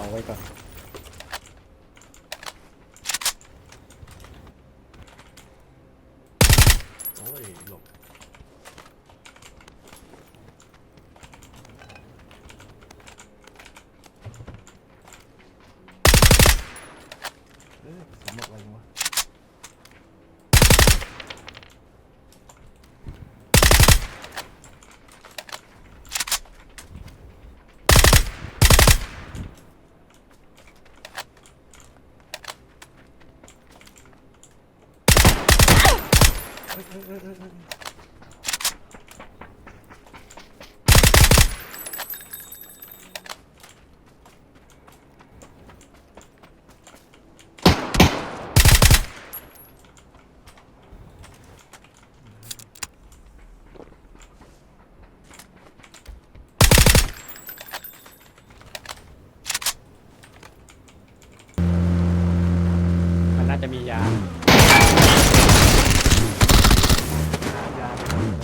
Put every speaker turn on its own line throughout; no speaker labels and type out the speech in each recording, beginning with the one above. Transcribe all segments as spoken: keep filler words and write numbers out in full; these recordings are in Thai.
ไว้ก่อน
โอ้ยหลบเอ๊ะสำหรับอะไรวะเอ้ยเอ้ยเอ้ยเอ้ยเอ้ย
มันน่าจะมียา
ยาอะไรเนี่ย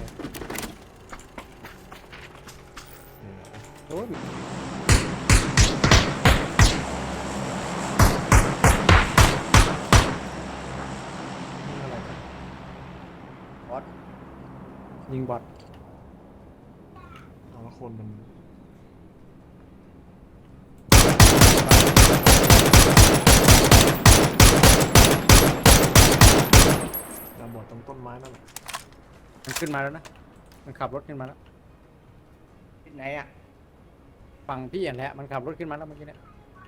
โอ้ย
นี่อะไรกัน
บอสยิงบอส
เอาละคนมันดาบอดตรงต้นไม้นั่นแหละ
มันขึ้นมาแล้วนะมันขับรถขึ้นมาแล้ว
ที่ไหนอ่ะ
ฝั่งพี่อย่างแหละมันขับรถขึ้นมาแล้วเมื่อกี้เนี่ย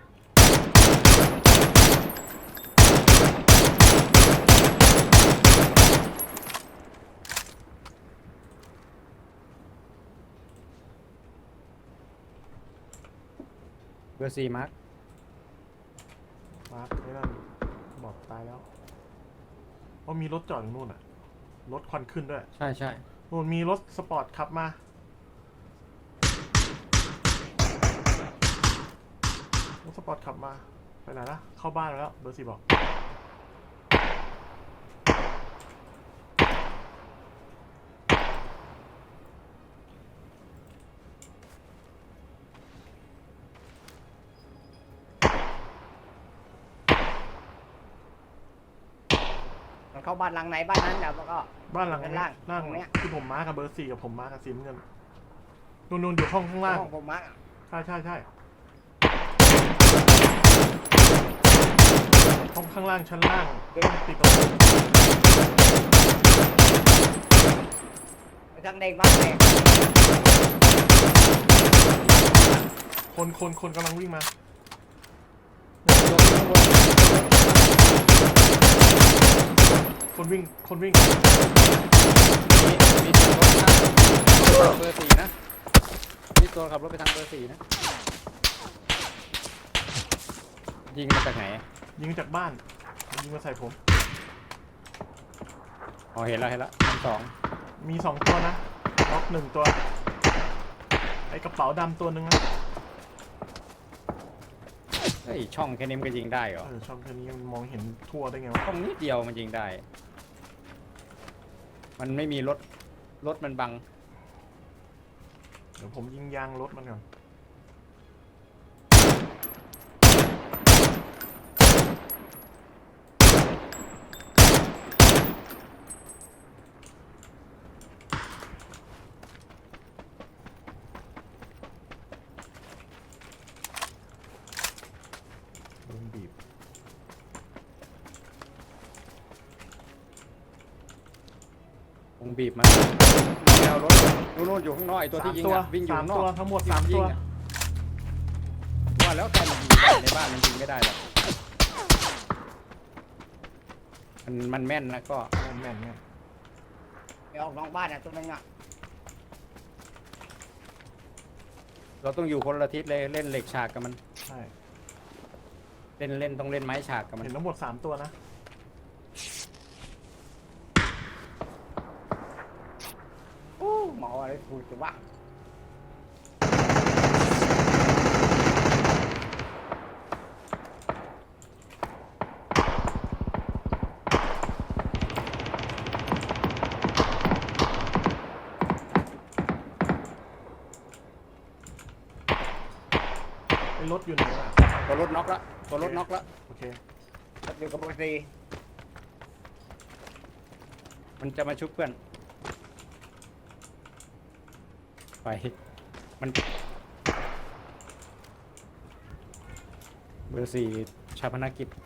เบอร์สี่มาร์ค
มาร์คไอ้นั่นบอกตายแล้วว่ามีรถจอดอยู่นู่นอ่ะรถควันขึ้นด้วย
ใช่ใช่
นู่นมีรถสปอร์ตขับมารถสปอร์ตขับมาไปไหนละเข้าบ้านแล้วเบอร์สี่บอก
มันเข้าบ้านหลังไหนบ้านนั้นแล้วก็
บ้านหลัง
ด้าน
นี้
ล่าง
ล่าง
ตรงเนี้ย
ที่ผมมากับเบอร์สี่กับผมมากับสีน้ำเงินนู่นนู่นอยู่ห้องข้างล่าง
ห้องผมมาร์ค
ใช่ใช่ใช่ห้องข้างล่างชั้นล่างต้องติดประตู
ไปทางแดงบ้านแดง
คนคนคนกำลังวิ่งมา
ลงข้างบน
คนวิ่งคนวิ่ง
มีมีตัวรถข้างเบอร์สี่นะมีตัวขับรถไปทางเบอร์สี่นะยิงมาจากไหน
ยิงจากบ้านยิงมาใส่ผม
อ๋อเห็นแล้วเห็นแล้วชั้นสอง
มีสองตัวนะล็อกหนึ่งตัวไอกระเป๋าดำตัวหนึ่งนะ
เฮ้ยช่องแค่นี้มันก็ยิงได้เหรอ
เออช่องแค่นี้มันมองเห็นทั่วได้ไงวะ
ช่องนิดเดียวมันยิงได้ มันไม่มีรถรถมันบัง
เดี๋ยวผมยิงยางรถมันก่อนโดนบีบ
วงบีบมาแนวรถนู่นๆอยู่ข้างนอกไอตัวที่ยิง
สาม
อะวิ่งอยู่
สาม
ข้างนอ
ตัว
ก
ทั้งหมด
ที่
สาม
ยิ
ตัว
งอะว่าแล้วแต่มันยิงได้ในบ้านมันยิงไม่ได้หรอกมันมันแม่นนะก็
แม่นแม่นแม่น
ไปออกนอกบ้านอ่ะตัวนึงอ่ะ
เราต้องอยู่คนละทิศเลยเล่นเหล็กฉากกับมัน
ใช่
เล่นเล่นต้องเล่นไม้ฉากกับมัน
เห็นทั้งหมดสามตัวนะ
โอ้หมออะไรถูกจะว่า
ไอรถอยู่ไหนวะ
ตัวรถน็อกละตัวรถน็อกละ
โอเค
อยู่กับโบซี
มันจะมาชุบเพื่อนไปมันเบอร์สี่ชาพนักกิจ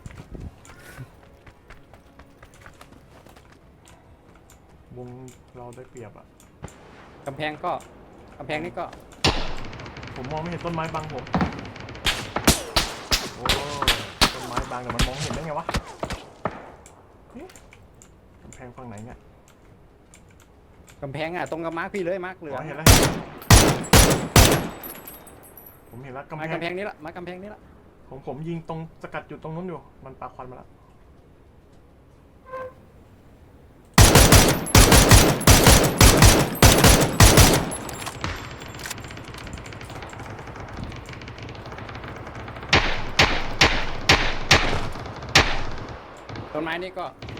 วงเราได้เปรียบอ่ะ
กำแพงก็กำแพงนี่ก็
ผมมองไม่เห็นต้นไม้บังผมโอ้ต้นไม้บังแต่มันมองเห็นได้ไงวะเอ๊ะกำแพงฝั่งไหนเนี่ย
กำแพงอ่ะตรงกับมาร์คพี่เลยมาร์คเหลือ
อ๋อเห็นแล้วผมเห็นแล้วกำ
มา
แพ
กำ
ง
แพงนี้ละมากำแพงนี้ละ
ผมผมยิงตรงสกัดจุดตรงนู้นอยู่มันปาควันมาแล้ว
ต้นไม้นี่ก็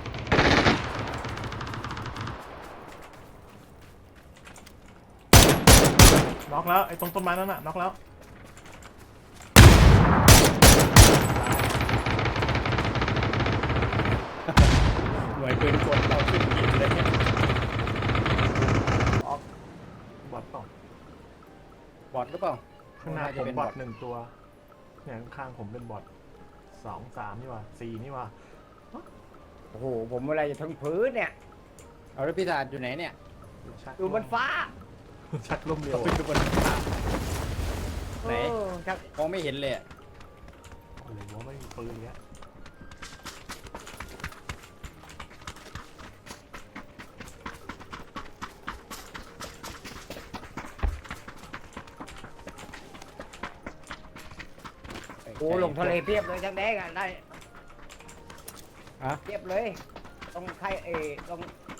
น็อกแล้วไอ้ตรงต้นไม้นั่นน่ะน็อกแล้ว
หน่วยปืนกลเราขึ้นยิงเลยเนี่ย
ออกบอทเปล่า
บอดหรือเปล่า
ข้างหน้า
น่
ผ
จะ
ม
เป็น
บอทหนึ่งตัวเนี่ยข้างๆผมเป็นบอทสองสามนี่หว่าสี่นี่หว่า
โอ้โหผมอะไรจะทั้งพื้นเนี่ย
เอาแล้วพี่ตาอยู่ไหนเนี่ย
ชัก
อยู่บนฟ้า
ชักลมเร็ว
ขึ้น
อะ
อยู่บนฟ้าไหน
เออชัก
มองไม่เห็นเลยอะ
โอ้โหไม่มีปืนเนี้ย
โอ้ลงทะเลเพียบเลยชักแดงอ่ะได้
อะ
เพียบเลยตรงใครเออตรง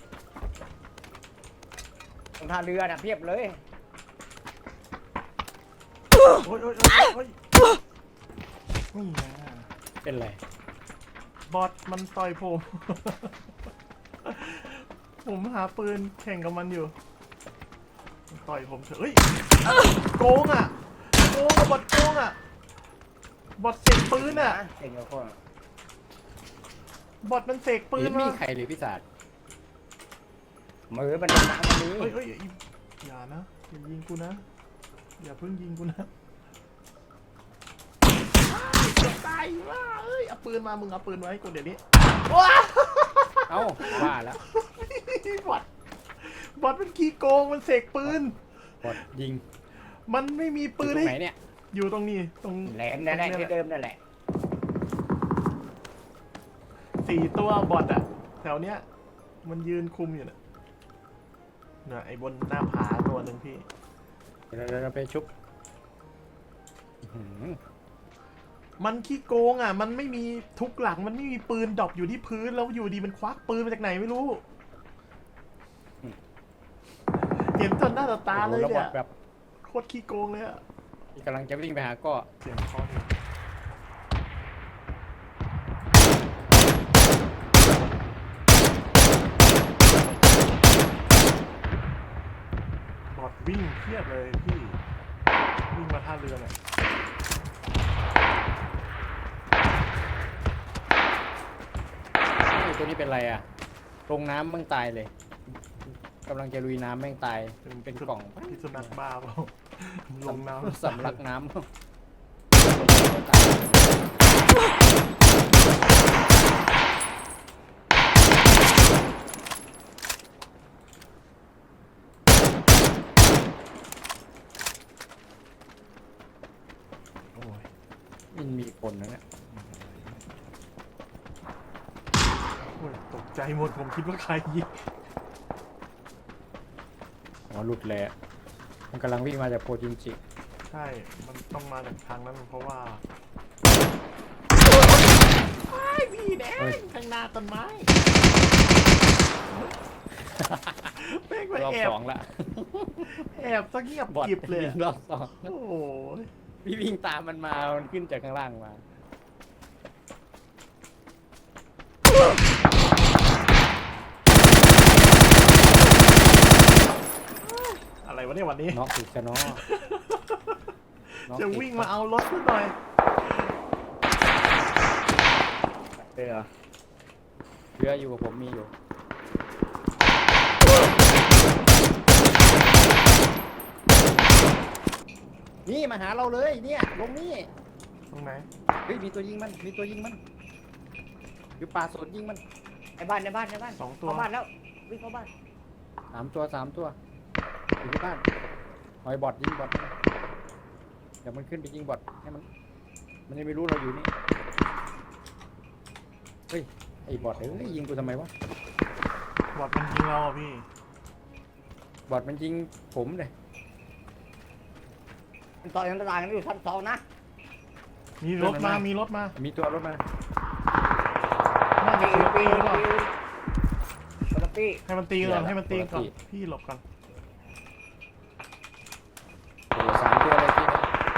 ตรงท่าเรือน่ะเพียบเลย
โอ้ยโอ้ยโอ้ยโอ้ยนี่นะ
เป็นไร
บอทมันต่อยผม ผมหาปืนแข่งกับมันอยู่มันต่อยผมเถอะเฮ้ยโกงอ่ะโกงอะบอทโกงอ่ะบอทเสกปืนอ่ะ
เก่งกว่าคน
บอทมันเสกปืน
ไม่มี
มา
ใครเลยพี่ตา
มือมันเป็นน้ำมันนี้
เฮ้ยเฮ้ยอย่าอย่านะอย่ายิงกูนะอย่าเพิ่งยิงกูนะจะตายว่าเอ้ยเอาปืนมามึงเอาปืนมาให้กูเดี๋ยวนี้ว้า
เอ้าว่าแล้ว
บอทบอทมันขี้โกงมันเสกปืน
บอดยิง
มันไม่มีปืน
อยู่ตรง
ให้
ไหนเนี่ย
อยู่ตรงนี้ตรง
แหลมนั่นแหละ
ตรง
ที่เดิมนั่นแหละ
สี่ตัวบอทอะแถวเนี้ยมันยืนคุมอยู่น่ะเนี่ยไอ้บนหน้าผาตัวหนึ่งพี่
เดี๋ยวเราไปชุบอื้อหือ
มันขี้โกงอ่ะมันไม่มีทุกหลังมันไม่มีปืนดรอปอยู่ที่พื้นแล้วอยู่ดีมันควักปืนมาจากไหนไม่รู้ เห็นจนหน้าต่อตาเลย
โอ้โหแล้วบ
เนี่
อย ดแบบ
โคตรขี้โกงเลยอะ
กำลังจะวิ่งไปหาก็
เสียงคอนี่บอดวิ่งเทียบเลยพี่ วิ่งมาท่าเรือเนี่ย
ไอ้ตัวนี้เป็นไรอ่ะลงน้ำแม่งตายเลยกำลังจะลุยน้ำแม่งตายเป็นกล่อง
พิษสุนัขบ้าเปล่าลงน้ำ
สำลักน้ำ
โอ้ย
มันมีคนนะเนี่ย
โอ้ยตกใจหมดผมคิดว่าใครยิง
อ๋อหลุดเลยอะมันกำลังวิ่งมาจากโพจินจิ
ใช่ มันต้องมาจากทางนั้นเพราะว่าไอ้พี่แดงข้างหน้าต้นไม้แม่งไป
รอบ
แอบ
สองละ
แอบซะเงียบบ
อด
กริบเลย
วิ่
อะ
งรอบสอง
โอ้โห
พี่วิ่งตามมันมา มันขึ้นจากข้างล่างมา
อะไรวะเนี่ยวันนี้
น็อกอีกจะน็อก
จะวิ่งมาเอารถซะหน่อย
เลยเหรอ
เรืออยู่กับผมมีอยู่นี่มาหาเราเลยเนี่ยลงนี่
ตรงไหน
เฮ้ยมีตัวยิงมันมีตัวยิงมันคือปลาสดยิงมัน
ในบ้านในบ้านในบ้าน
สองตัว
เข้าบ้านแล้ววิ่งเข้าบ้าน
สามตัวสามตัวอยู่ที่บ้านหอยบอดยิงบอดเดี๋ยวมันขึ้นไปยิงบอดให้มันมันยังไม่รู้เราอยู่นี่เฮ้ยไอ้บอดเอ้ยยิงกูทำไมวะ
บอดมันยิงเราอ่ะพี่
บอดมันยิงผมเลย
มันต่อยกันต่างกันอยู่ชั้นสองนะ
มีรถมา มีรถมา
มีตัวรถมา
น่าจะ
ปี
ปี
ปี
หรือเปล่า
คนละปี
ให้มันตีก่อนให้มันตีก่อน พี่หลบก่อน
โอ้โหสามตัวเลยที่นี่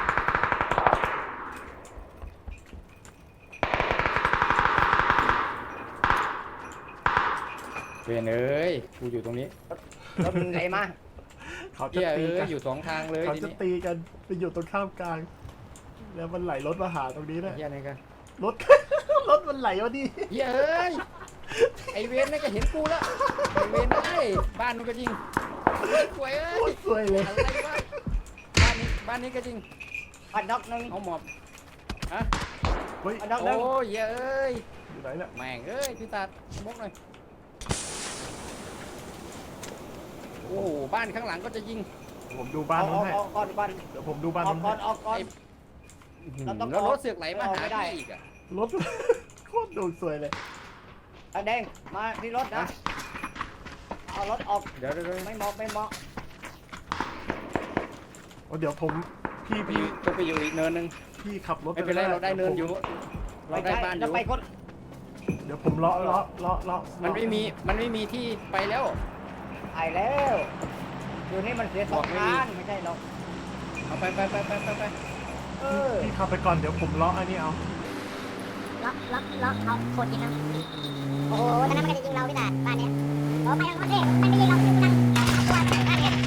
เวนเอ้ยกูอยู่ตรงนี้
รถมึงไหนมา
เขาจะ
เฮีย
ตี
เอ้
กั
ย
น
อยู่สองทางเลย
เขา
ที
จะ
นี้
ตีกันไปอยู่ตรงข้ามกลาง แล้วมันไหลรถมาหาตรงนี้แหละ
เฮียนี่กัน
รถ รถมันไหลมาดิ
เฮียเอ้ยไอเวนนี่ก็เห็นกูแล้วไอเวนไอ้ยบ้านนู้นก็ยิงสวยเอ้
โค
ย
ตรสวยเลย
อะไรวะบ้านนี้บ้านนี้ก็ยิง
บ้านนอกหนึง
เอาหมอบฮะ
เฮ้ย
บ้านนอกห
โอ้
นึง
ยเฮียเอ้ย
อยู่ไหนเนี่ย
แม่งเอ้ยพี่ตาดมกหน่อยโอ้โหบ้านข้างหลังก็จะยิง
ผมดูบ้าน
เอา
นู้น
เอา
ให้
เอาก่อนบ้าน
เดี๋ยวผมดูบ้าน
ออก
นู้น
ก่อ
ให้
นออกก่อน เราต้อง
แล้ว
ออก
รถเสือกไหลมาหา
ไม่ได้
พี่อีกอะ
รถ โคตรดูสวยเลย
ไอ้แดงมาที่รถนะเอารถออก
เดี๋ยวเดี๋ยวเดี๋ยว
ไม่เหมาะไม่เหมาะ
โอ้เดี๋ยวผม พี่
ไปอ
พี่
ยู่ต้องไปอยู่อีกเนินหนึง
พี่ขับรถ
ไม่เป็นไรเราได้เนินอยู่ เราได้
ใช่
บ้านอ
จะ
ยู่
ไปคน
เดี๋ยวผมเลาะเลาะเลาะเลาะ
มันไม่มีมันไม่มีที่ไปแล้ว
ไปแล้วอยู่นี่มันเสียสอง
บอกไม่มี
ทางไม่ใช่หรอก
เอาไปไปไปไปไปไป
เออ
พี่ขับไปก่อนเดี๋ยวผมเลาะอันนี้เอา
ล็อกล็อกล็อกเอาโคตรยิงนะโอ้โหตอนนั้นมันก็จะยิงเราพี่ตาบ้านเนี้ยโอ้ไปยังโคตรเท่มันไม่ยิงเรามันยิงกันตัวบ้านเนี้ย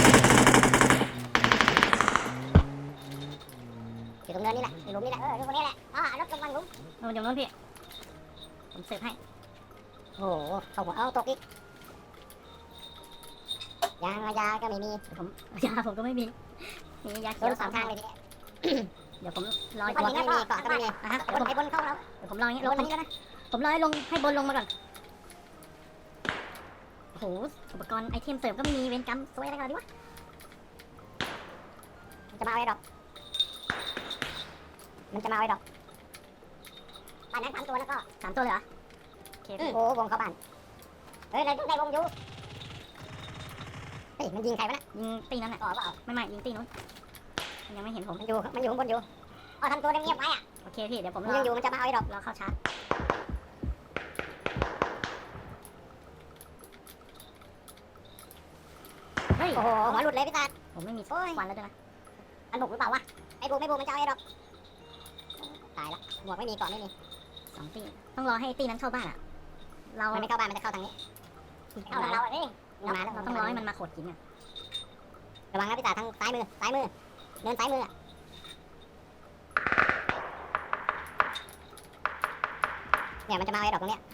อยู่ตรงเนินนี่แหละอยู่หลุมนี่แหละเอออยู่ตรงนี้แหละอ๋อรถกำลังหลุมเอออยู่ตรงนู้นพี่ผมเสิร์ฟให้โอ้โหเข้าหัวเอาตกอีกยางยาก็ไม่มีผมยาผมก็ไม่มีมียาเขียวสามทางเลยทีเนี้ยเดี๋ยวผมรออีกไม่มีเกาะก็ไม่มีอ่ะฮะเดี๋ยวผมให้บนเข้าแล้วเดี๋ยวผมรออย่างงี้ลงนี้แล้วนะผมรอให้ลงให้บนลงมาก่อนโอ้โหอุปกรณ์ไอเทมเสริมก็ไม่มีเวรกรรมสวยอะไรกันดิวะมันจะมาเอาไอ้ดอกมันจะมาเอาไอ้ดอกบ้านนั้นสามตัวแล้วก็สามตัวเลยเหรอโอเคโอ้วงเข้าบ้านเฮ้ยได้ได้วงอยู่เฮ้ยมันยิงใครวะนะยิงตีนั้นอ่ะอ๋อเปล่าไม่ไม่ยิงตีนู้นมันยังไม่เห็นผมมันอยู่มันอยู่ข้างบนอยู่อ๋อทำตัวเงียบๆไว้อ่ะโอเคพี่เดี๋ยวผมรอยังอยู่มันจะมาเอาไอ้ดอกรอเข้าชาร์จเฮ้ยโอ้โหหัวหลุดเลยพี่ตาผมไม่มีควันแล้วด้วยนะมันบุกหรือเปล่าวะไอ้บุกไม่บุกมันจะเอาไอ้ดอกตายละหมวกไม่มีเกาะไม่มีสองตีต้องรอให้ตีนั้นเข้าบ้านอ่ะเรามันไม่เข้าบ้านมันจะเข้าทางนี้เข้าทางเราอ่ะนี่มาแล้วเราต้องรอให้มันมาโขดหินอ่ะระวังนะพี่ตาทางซ้ายมือซ้ายมือเดินซ้ายมืออะเนี่ยมันจะมาเอาไอ้ดอกตรงเนี้ย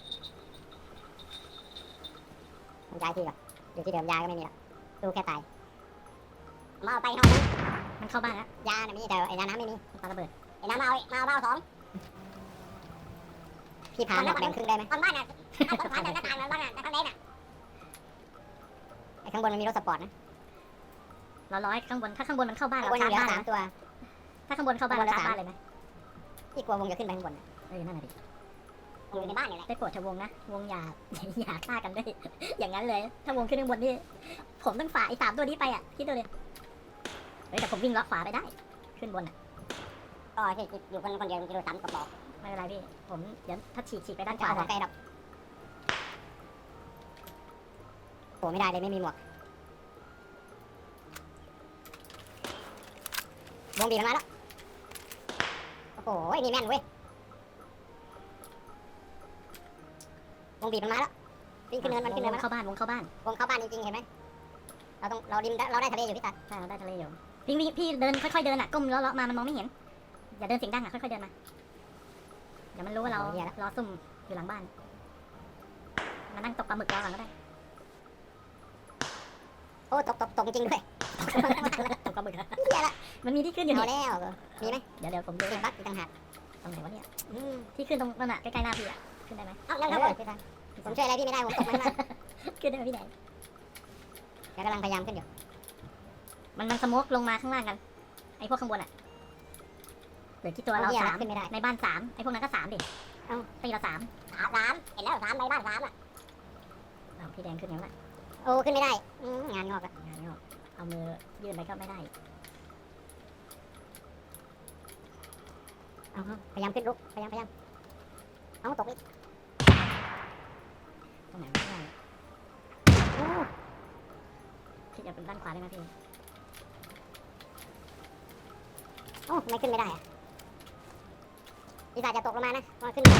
มันย้ายที่ก่อนอยู่ที่เดิมยาก็ไม่มีแล้วดูแค่ตายมาเอาไปห้องนั้นมันเข้าบ้านแล้วยาเนี่ยมีแต่ไอ้ยาน้ำไม่มีปาระเบิดไอ้น้ำมาเอามาเอามาเอาสองพี่พาหนักแบ่งครึ่งได้ไหมตอนบ้านอ่ะถ้าคนผ่านจากหน้าต่างแล้วบ้านอ่ะแต่ข้างในน่ะไอ้ข้างบนมันมีรถสปอร์ตนะเราร้อยข้างบนถ้าข้างบนมันเข้าบ้านเราชาร์จบ้านสามตัวถ้าข้างบนเข้าบ้านเราชาร์จบ้านเลยไหมพี่กลัววงจะขึ้นไปข้างบนเออนั่นแหละดิอยู่ในบ้านนี่แหละได้โปรดเถอะวงนะวงอย่า อย่าฆ่ากันด้วย อย่างนั้นเลย ถ้าวงขึ้นข้างบนนี่ผมต้องฝ่าไอ้สามตัวนี้ไปอ่ะคิดดูเลยเฮ้ยแต่ผมวิ่งเลาะขวาไปได้ขึ้นบนอ่ะก็ที่อยู่คนคนเดียวกิโลสามกระบอกไม่เป็นไรพี่ผมเดี๋ยวถ้าฉีกฉีกไปด้านขวาได้ครับโผล่ไม่ได้เลยไม่มีหมวกวงบีบมันมาแล้วโอ้โหนี่แม่นเว้ยวงบีบมันมาแล้ววิ่งขึ้นเนินมันขึ้นเนินมันเข้าบ้านวงเข้าบ้านวงเข้าบ้านจริงๆเห็นไหมเราต้องเราดิมเราได้ทะเลอยู่พี่ตัดใช่เราได้ทะเลอยู่พี่พี่พี่เดินค่อยๆเดินอ่ะก้มเลาะๆมามันมองไม่เห็นอย่าเดินเสียงดังอ่ะค่อยๆเดินมาดี๋ยวมันรู้ว่าเรารอซุ่มอยู่หลังบ้านมานั่งตกปลาหมึกรอก่อนก็ได้โอ้ตกตกตกจริงด้วยตกปลาหมึกเหี้ยละมันมีที่ขึ้นอยู่เอาแล้วมีไหมเดี๋ยวเดี๋ยวผมดูบั๊กอีกต่างหากตรงไหนวะเนี่ยที่ขึ้นตรงนั่นน่ะใกล้ๆหน้าพี่อ่ะขึ้นได้ไหมเอ้าแล้วครับผมช่วยอะไรพี่ไม่ได้ผมตกมันมากขึ้นได้ไหมพี่ไหนแกกำลังพยายามขึ้นอยู่มันมันสโมกลงมาข้างล่างกันไอ้พวกข้างบนอ่ะเหลือที่ตัวเราสามในบ้านสามไอ้พวกนั้นก็สามดิเอ้าตีเราสามสามสามเห็นแล้วสามในบ้านสามอ่ะเอาพี่แดงขึ้นยังไงโอ้ขึ้นไม่ได้งานงอกอะงานงอกเอามือยื่นไปก็ไม่ได้เอาพยายามขึ้นลุกพยายามพยายามเอาตกอีกตรงไหนไม่ได้โอ้คิดจะเป็นด้านขวาได้ไหมพี่โอ้ไม่ขึ้นไม่ได้อะพี่สายจะตกลงมานะมาขึ้น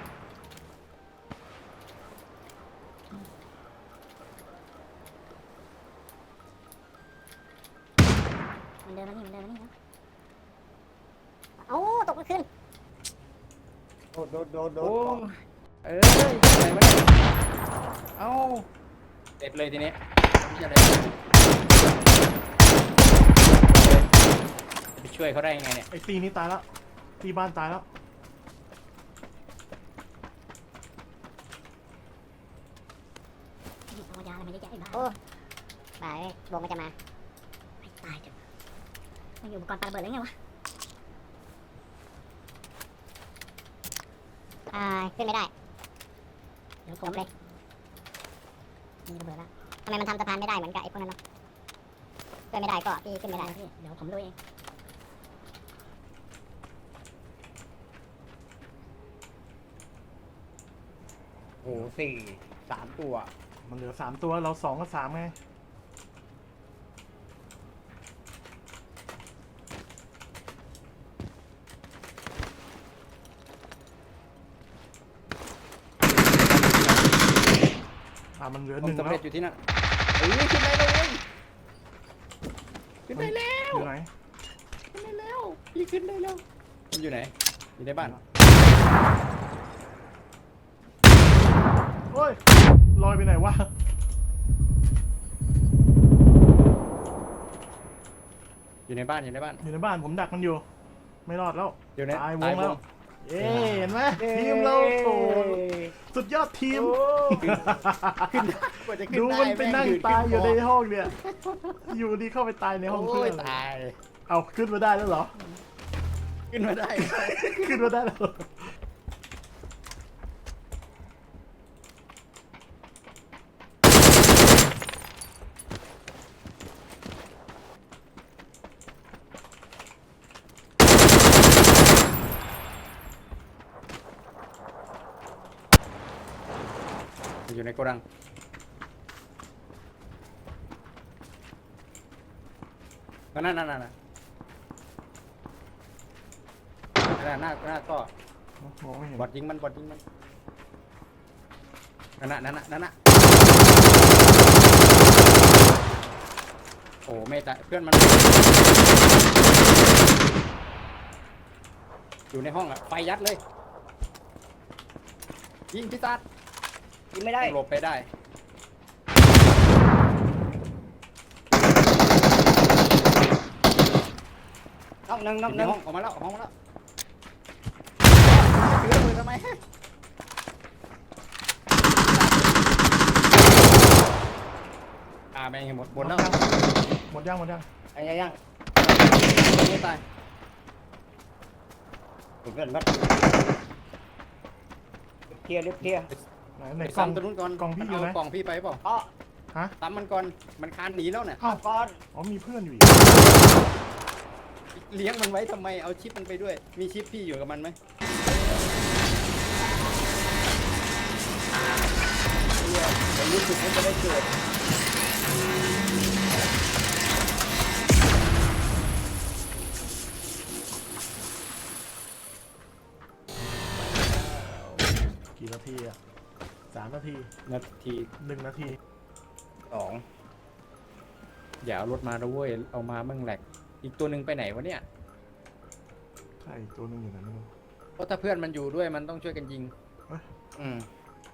มันเดินมานี่มันเดินมานี่นะเอ้าตกไม่ขึ้น
โดดโดดโดดโด
โอ้
ด
เอ้ยอะไรวะเนี่ยเอ้าเด็ดเลยทีนี้ไม่ใช่อะไรจะไปช่วยเขาได้ยังไงเนี่ย
ไอ้ตีนี้ตายแล้วตีบ้านตายแล้ว
เอายาอะไรมาเยอะแยะไอ้บ้าโอ้บ้าเอ้ยวงมันจะมาไม่ตายจ้ะมันอยู่อุปกรณ์ปาระเบิดแล้วไงวะอ่าขึ้นไม่ได้เดี๋ยวผมเลยมีระเบิดแล้วทำไมมันทำสะพานไม่ได้เหมือนกับไอ้พวกนั้นเนาะขึ้นไม่ได้ก็พี่ขึ้นไม่ได้พี่เดี๋ยวผมดูเอง
โอ้โหสี่สามตัว
มันเหลือสามตัวเราสองกับสามไงอ่ามันเหลือ
ผ
ห
ม
นึ่ง
สำ
แล้
เร็
ว
จอยู่ที่นั่นเอ้ยขึ้นได้เลยขึ้นได้แล้ว
อยู่ไหน
ขึ้นได้แล้วพี่ขึ้นได้แล้วมันอยู่ไหนอยู่ในบ้าน
โอ้ยลอยไปไหนวะ
อยู่ในบ้านอยู่ในบ้าน
อยู่ในบ้านผมดักมันอยู่ ไม่รอดแล้ว
อยู่ใน
ตายว
ตาง ยว
แล้ว
ง
เอ๊ะเห็นไหมทีมเราโอ้สุดยอดทีม
ขึ้นกว่าจะขึ้น
ดู
ได้
มันไปนั่ง
แม่
ตายอยู่ใน
ขึ้
ห้องเนี่ย อยู่ดีเข้าไปตายในห้อง
โอ้
เพื่อย น
ตาย
เอาขึ้นมาได้แล้วเหรอ
ขึ้นมาได้
ขึ้นมาได้แล้วเหรอ
อยู่ในโกดังก็นั่นนั่นนั่นนั่นหน้าหน้าก็
มองไม่เห็น
บอดยิงมันบอดยิงมันนั่นน่ะนั่นน่ะนั่นน่ะโอ้ไม่ตายเพื่อนมันอยู่ในห้องอะไฟยัดเลยยิงพิซซ่า
ยิงไม่ได้
หลบไปได้
นอกหนึ่งนอก
อ
ห
ยู่ใน
นึ่ง
ห้องออกมาแล้วออกมาแล้วถือระเบิดทำไมอ่าแม่งหมดหมดแล้ว
หมดยังหมดยัง
ไอ้ยังยัง
ไม่ตาย
ถูกเกินครับเคลียร์ลิฟต์เคลียร์
ไหนไหน
ไป
กล่อง
ซ้ำตัวนู้นก่อน
กล่องพี่อยู่ไหน
เากล่องพี่ไปเปล่า
อ๋อ
ฮะ
ซ้ำมันก่อนมันคานหนีแล้วเนี่ย
อ้าว
ก่อน
อ๋อมีเพื่อนอยู่อีก
เลี้ยงมันไว้ทำไมเอาชิปมันไปด้วยมีชิปพี่อยู่กับมันไหมผมรู้สึกว่าจะได้เกิด
กี่นาทีอะสามนาที
นาที
หนึ่งนาที
สอง
อย่าเอารถมาแล้วเว้ยเอามามั่งแหลกอีกตัวหนึ่งไปไหนวะเนี่ย
ใช่ตัวหนึงอยู่ไหนไม่รู้
เพราะถ้าเพื่อนมันอยู่ด้วยมันต้องช่วยกันยิง
อืม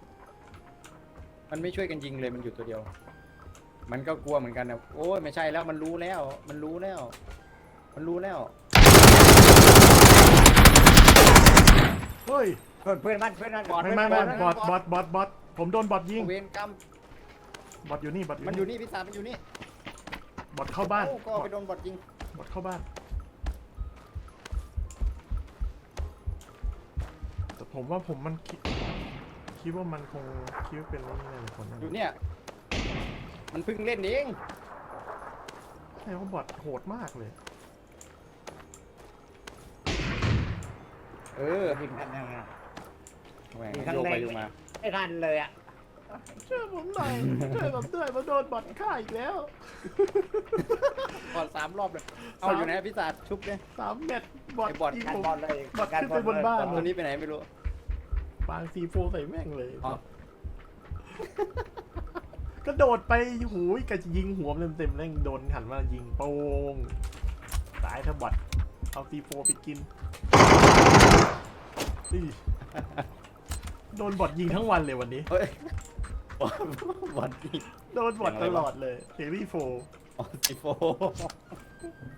มันไม่ช่วยกันยิงเลยมันอยู่ตัวเดียว มันก็กลัวเหมือนกันนะโอ้ยไม่ใช่แล้วมันรู้แล้ว มันรู้แล้ว มันรู้แล้ว
เฮ้ย
เพื่อนเพื่อนมันเพื่อนมันบอด
ไม่ไม่ไม่บอดบอดบอดบอดผมโดนบอดยิง
เวรกรรม
บอดอยู่นี่บอด
มันอยู่นี่พี่สารมันอยู่นี่
บอดเข้าบ้าน
โอ้ก็ไปโดนบอดยิง
บอดเข้าบ้านแต่ผมว่าผมมันคิดคิดว่ามันคงคิดว่าเป็นเรื่องนี้แน่เลยคนนั้น
อยู่เนี่ย มันเพิ่งเล่นเอง
ใช่ว่าบอดโหดมากเลย
เออ
ยิงกันยังไง
แหวง
ยิงข้าง
โยก
ใน
ไปโยกมา
ไม่ทันเลยอ่ะ
ช่วยผมหน่อยช่วยผมด้วยมาโดนบอดฆ่าอีกแล้ว
บอดสามรอบเลย เอา
สาม
อยู่ไหนพี่สารชุบเลย
สามเม็ดบอด
ไอ้บอด
ยิง
การ
ผม
บอลเลย
บอดขึ้นไปบนบ้าน
ตัวนี้ไปไหนไม่รู้
ปางซีโฟใส่แม่งเลย
อ๋อ
ก็โดดไปหูยกะจะยิงหัวมันเต็มๆแล้วโดนหันมายิงโป้งตายถ้าบอดเอาซีโฟไปกินอี้โดนบอดยิงทั้งวันเลยวันนี้
เฮ้ยบอดบอดยิง
โดนบอดตลอดเลยเซรีโฟ
อ๋อสิโฟ